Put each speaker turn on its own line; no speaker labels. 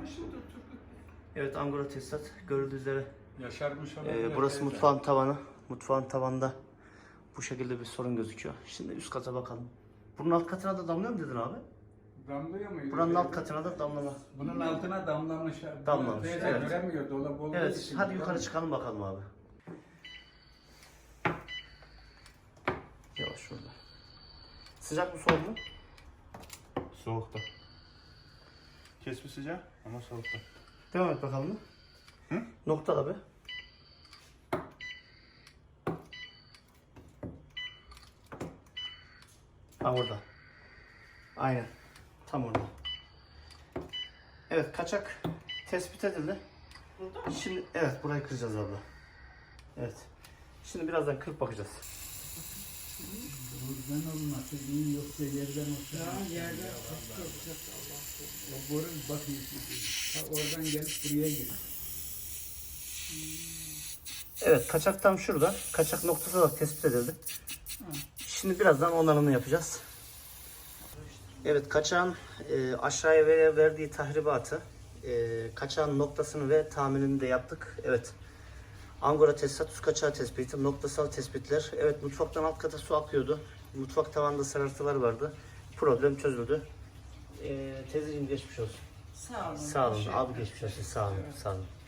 yaşarmış mıdır Turgut?
Evet, Angora tesisat görüldüğü üzere.
Yaşarmış olabilir.
Burası mutfağın tavanı. Mutfağın tavanında bu şekilde bir sorun gözüküyor. Şimdi üst kata bakalım. Bunun alt katına da damlıyor mu dedin abi?
Damlıyor muydu?
Buranın alt katına da damlama.
Bunun altına damlamış.
Damlamış,
Teyze
evet.
göremiyor dolap olduğu
Evet,
için.
hadi yukarı çıkalım bakalım abi. Yavaş şurada. Sıcak mı soğuk mu?
Soğukta. Kesme sıcak ama soğukta.
Devam et bakalım.
Hı?
Nokta abi. Ha, orada. Aynen. Tam orada. Evet, kaçak tespit edildi.
Burada mı?
Şimdi evet, burayı kıracağız abla. Evet. Şimdi birazdan kırıp bakacağız.
Buradan olması iyi yoksa yerden olsa.
Ya yerden tutacak Allah korusun.
O boru bakın. Oradan gelip buraya gir.
Evet, kaçak tam şurada. Kaçak noktası olarak tespit edildi. Şimdi birazdan onarımını yapacağız. Evet, kaçağın aşağıya verdiği tahribatı, kaçağın noktasını ve tahminini de yaptık. Evet. Angora tesisat su kaçağı tespiti, noktasal tespitler. Evet, mutfaktan alt kata su akıyordu. Mutfak tavanında sarartılar vardı. Problem çözüldü. Teyzeciğim geçmiş olsun.
Sağ olun.
Sağ olun.
Teşekkür
Abi geçmiş olsun. Sağ olun.
Evet.
Sağ olun.